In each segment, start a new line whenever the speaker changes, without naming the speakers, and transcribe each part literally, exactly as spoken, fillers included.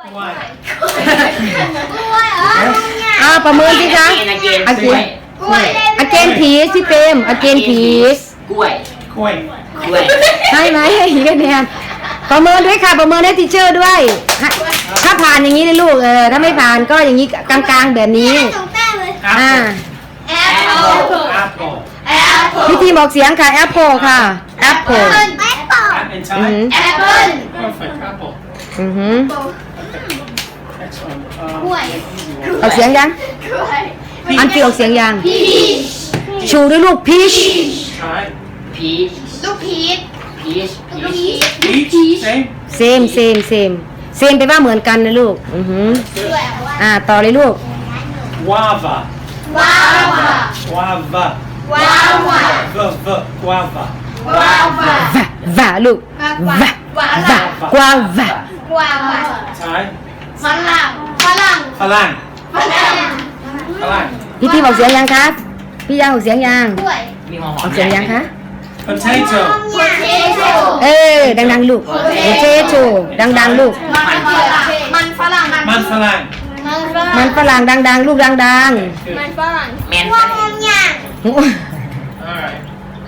อ่าประเมินสิคะอาเกนอาเกนพีชพี่เปมอาเกนพีช
กล้วย
กล้วย
กล้วย
ให้ไหมให้อีกคะแนนประเมินด้วยค่ะประเมินให้ทีเชอร์ด้วยถ้าผ่านอย่างนี้เลยลูกเออถ้าไม่ผ่านก็อย่างนี้กลางๆแบบนี้อ่า
แอปเปิ้ลแอปเปิ้ล
พี่ทีบอกเสียงค่ะแอปเปิลค่ะแอปเปิล
แอปเปิ้ลใช่
แอปเปิล
perfect apple
อือหือ
excellent
ออกเสียงยังอันที่ออกเสียงยังชูด้วยลูกพีช
ใช่
พีช
ลูกพีช
พีชพีช
peach same
เซมเซมเซมเซมไปว่าเหมือนกันนะลูกอือหืออ่าต่อเลยลูก
guava
ว้าว
guava
ว้าว
v v guava
ว้าวว้าว
วะวะลูกวะวะกวางวะ
ว้าว
ใช่
ฝรั่งฝรั่ง
ฝรั่ง
ฝรั่ง
ฝรั่ง
พี่ทีบอกเสียงยังครับพี่ยังออกเสียงยัง
กล้วย
มีหอมห
อ
อ
อ
ม
กเสียงยังคะ
potato
โพเทโต้
เออดังๆลูกโอเคโชดังๆลูก
มันฝรั่งมันฝรั่ง
มันฝรั่ง
มันฝรั่ง
มันฝรั่งดังๆลูกดัง
มันฝรั่ง
แมน
พวกมึงอย่าง
ๆ
alright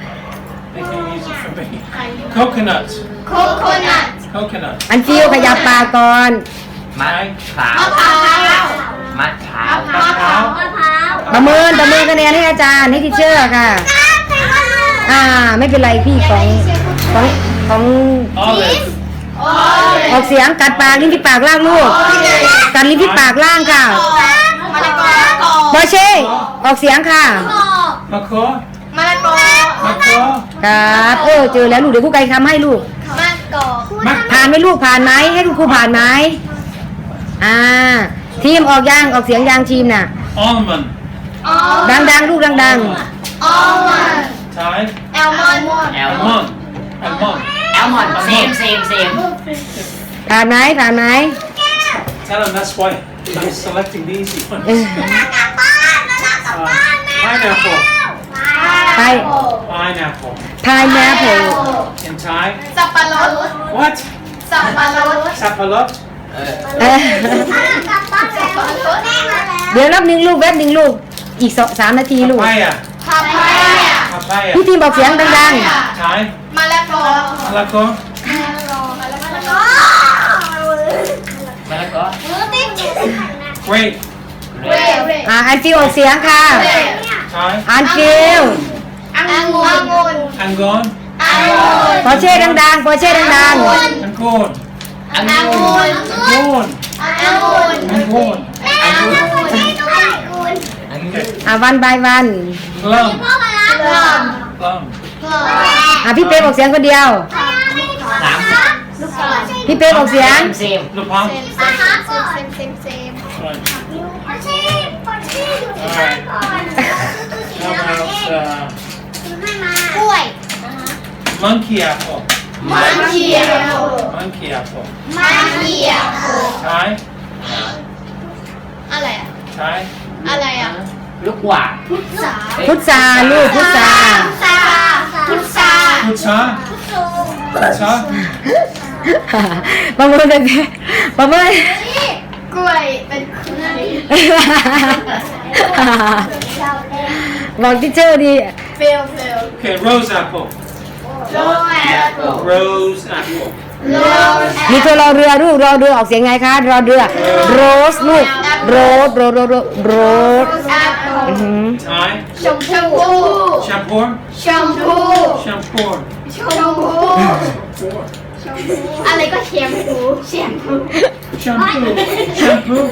make it easy for me coconut
โคโคนัท
coconut
อันฟิวขยับปากก่อน
มะพร้าว
มะพร้าว
มะพร้าว
มะพร้าวมะพร้าว
ประเมินประเมินคะแนนให้อาจารย์ให้ทีเชอร์ค่ะ อ่าไม่เป็นไรพี่ของของของ
olive
ออกเสียงกัดปากลิ้นที่ปากล่างลูกกัดลิ้นที่ปากล่างค่ะ
มะละกอ
บอเช่ออกเสียงค่ะ
มะเขือ
มะละกอ
มะเขือ
ครับเออเจอแล้วลูกเดี๋ยวครูไก่ทำให้ลูก
มะกอก
มะ
ผ่านไหมลูกผ่านไหมให้คุณครูผ่านไหมอ่าทีมออกยางออกเสียงยางทีมน่ะ
almond
ดังๆลูกดัง
อัลมอนด์
ใช่
แอลมอนด์
แอล
almond almond
แอลมอนเซมเซมเซม
ๆผ่านไหมผ่านไหม
tell them that's why I'm selecting the easy ones
เออ
uh, pineapple
ไป
pineapple
พายแมพ
in Thai
สับปะรด
what
สับปะรด
sapalot
เออ
เออ
สับปะรด
เดี๋ยวนับหนึ่งลูกแวบหนึ่งลูกอีกสองสามนาทีลูก
papaya
พาพายา
papaya
พี่ทีมบอกเสียงดัง
Thai
มะละกอ
มะละกอ
มะละกอ
มะละกอ
grape
เรด
ๆอ่าอันฟิวออกเสียงค่ะ
Thai
อันฟิว
องุ่นองุ่น
angon
องุ่น
ปอเช่ดังๆปอเช่ดัง
angon
องุ่น
องุ่น
angon
องุ่น
angon
องุ่นให้ด้วยองุ่น
ๆอ่าวันบายวัน
plum
พ่อมาแล้วกลม
plum
กลม
อ่าพี่เป๊บอกเสียงคนเดียว
สาม
ลูกกลม
พี่เป๊บอกเสียง
เซม
the plum
เซมเซมเซมเซมเซม
right
ปอชีปอชีอยู่ที่บ้านก่อน
how about uh,
กล้วย
monkey apple
มันเขียว
monkey apple
มันเขียว
Thai
อะไรอะ
Thai
อะไรอะ
ลูกหวาน
พุทธา
พุทธาลูกพุทธา
พุทธาพุทธา
Pucha Pucha
ประเมินเลยประเมิน
กล้วยเป็นกล้วย
บอกที่เชอร์ดี
เฟลเฟล
okay rose apple
โรแอปเปิล
rose apple
โร
มีตัวรอเรือลูกรอเรือออกเสียงไงคะรอเรือโรสลูกโรสโรสโรสโรส
แอปเปิล
อือหือ
Thai
ชมพู
shampoo
ชมพู
shampoo
ชมพูอะไรก็แชมพูแชมพู
shampoo shampoo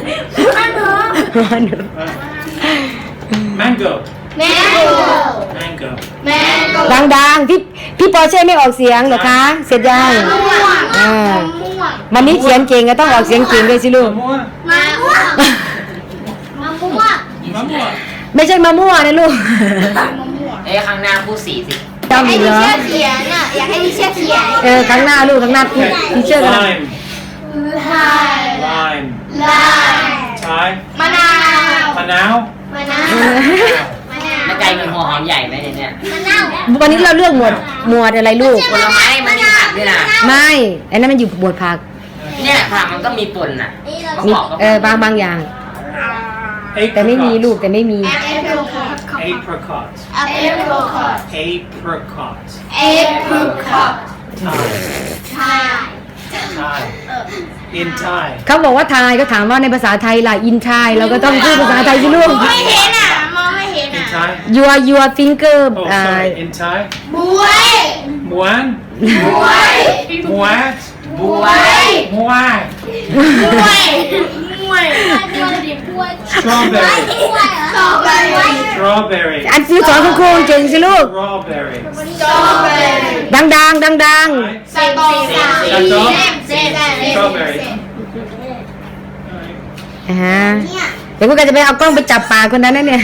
มันเหรอ
mango
แมงโก้
mango
แมงโก้
ดังๆพี่พี่ปอเช่ไม่ออกเสียงเหรอคะเสร็จยัง
มะม่วง
อ่าม
ะม่วง
วันนี้เขียนเก่งก็ต้องออกเสียงเก่งด้วยสิลูก
มะม่วง
มะม่วงมะม่วง
มะม่วง
ไม่ใช่มะม่วงนะลูก
มะม่วง
เอ้ยข้างหน้าพูดสีสิ
จำ
ให้
อีก
ดิ
เหรอ
เชอร์เขียนอ่ะอยากให้ดิเชอร์เขียน
เออครั้งหน้าลูกครั้งหน้าพี่พี่เชื่อกัน
lime
ลาย
lime
ลาย
Thai
มะนาว
มะนาว
มะนาวมะนาว
มันใจมันหัวหอมใหญ่ไหมเนี่ย
มะนาว
วันนี้เราเลือกหมวดหมวดอะไรลูก
ผลไม้มันมีผักด้วยนะ
ไม่อันนั้นมันอยู่หมวดผัก
เนี่ยค่ะมันก็มีป่นน่ะ
มีเออบางบางอย่าง แต่ไม่มีลูกแต่ไม่มี
Apricot.
Apricot.
Apricot.
Apricot.
Thai.
Thai.
Thai. In Thai.
เขาบอกว่าไทยก็ถามว่าในภาษาไทยล่ะอินไทยเราก็ต้องพูดภาษาไทยสิลูก
ไม่เห็นอ่ะมองไม่เห็น
In
อ่ะ
Thai.
your your finger
Oh,
อ่า
sorry. In Thai.
บวย
Muan.
บวย
Muat.
บวย
Muat.
บวยบวยบวยดิบวย
Strawberry.
สตรอเบอรี่
Strawberry.
อันซื้อสอนคุณครูเก่งสิลูก
Strawberry.
สตรอเบอรี่
ดังดังดังดัง
Thai.
สตรอเบอรี่เซมเซม
Strawberry.
อ่าฮะเดี๋ยวพวกกันจะไปเอากล้องไปจับปากคนนั้นนะเนี่ย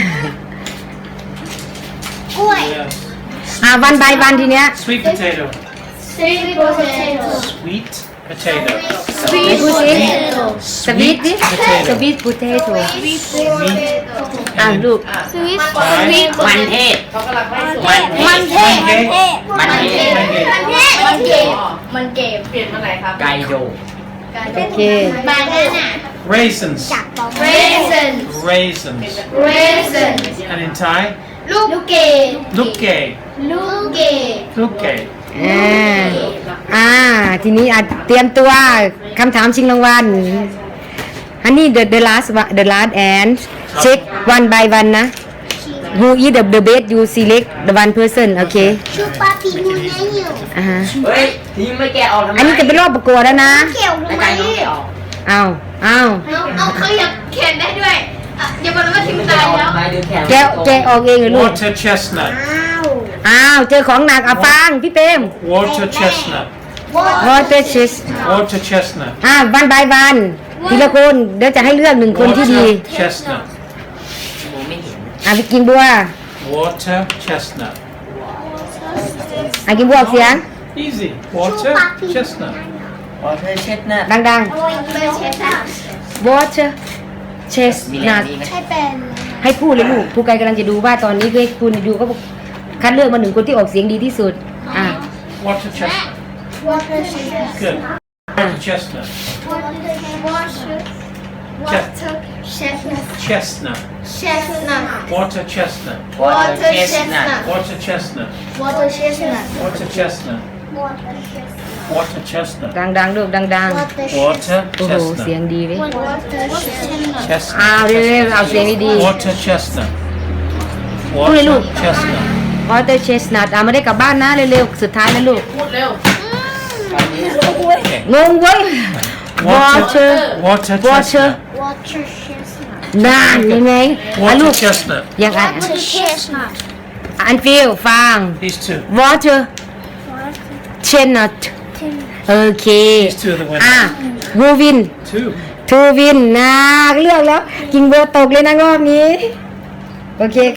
กล้วย
Yes.
อ่าวันใบวันทีเนี้ย
Sweet potato.
sweet potato
Sweet potato.
ไหนพูดสิสวีทดิ
potato.
สวีท potato
sweet potato
อ่าลูก
sweet
sweet
มันเทศ
มันเทศมันเทศ
มันเทศ
มันเทศมันเก็บมันเก็บ
ไก่โด
โอเค
บานาน่า
Raisins.
raisin
Raisins.
raisin
And in Thai,
ลูกเกด
lukke.
ลูกเกด
Lukke.
อ่าอ่าทีนี้อ่ะเตรียมตัวคำถามชิงรางวัลอันนี้ the the last one- the last and check one by one นะ who is the the best you select the one person โอเค
ชูปาปีมูนายอยู่
อ่าฮะ
เฮ้ยทีมไม่แกะออกทำไม
อันนี้จะเป็นรอบประกวดแล้วนะ
เกี่ยว
ไอ้
ทำไม
ไก่น้องแกะออก
เอาเอา
เอาเอาเขาอยากเขียนได้ด้วยอ่ะอย่าบอกนะว่าทีมตายแล้ว
ไปดูแขน
แกะแกะออกเองเหรอลูก
Water chestnut.
อ้าว
อ้าวเจอของหนักอ่ะฟังพี่เปรม
Water chestnut.
water chest
Water chestnut.
อ่าวันบายวันทีละคนเดี๋ยวจะให้เลือกหนึ่งคนที่ดี
Water chestnut.
ผมไม่เห็น
อ่ะไปกินบัว
Water chestnut.
อ่ะกินบัวออกเสียง
Easy. Water chestnut.
วอเตอร์เช็ดหน้า
ดัง
โอ้ยไม่ใช่ค่ะ
ๆ water
มีแรง
chestnut
ดีไหม
ใช่เป็น
ให้พูดเลยลูกผู้ไกลกำลังจะดูว่าตอนนี้คือคุณดูก็คัดเลือกมาหนึ่งคนที่ออกเสียงดีที่สุดอ่ะ
Water chestnut.
water chestnut
Good. Water chestnut.
water chestnut
Chestnut.
chestnut
Water chestnut.
วอเตอร์เช็ดหน้า
Water chestnut.
water chestnut
Water chestnut.
water chestnut
Water chestnut.
ดังๆลูกดัง
Water
ๆโอ้โหเสียง
chestnut.
ดีเลย
water chestnut
Chestnut.
อ้าวเร็วๆเอาเสียงดี
Water chestnut.
Ui, look.
Water chestnut.
ๆ water chestnut อ่ะไม่ได้กลับบ้านนะเร็วๆสุดท้ายนะลูก
Okay.
งงเว้ย water
Water
water
chestnut.
water chestnut
นานยังไงอ่ะลู
Water
ก
chestnut.
ยังไง
water chestnut
อันฟิลฟัง
These two.
water chestnut โอเค
These two are the
อ่ะ
winners.
วูวิน
Two.
ทูวินนะเลือกแล้ว กิงเบอร์ตกเลยนะรอบนี้ โอเค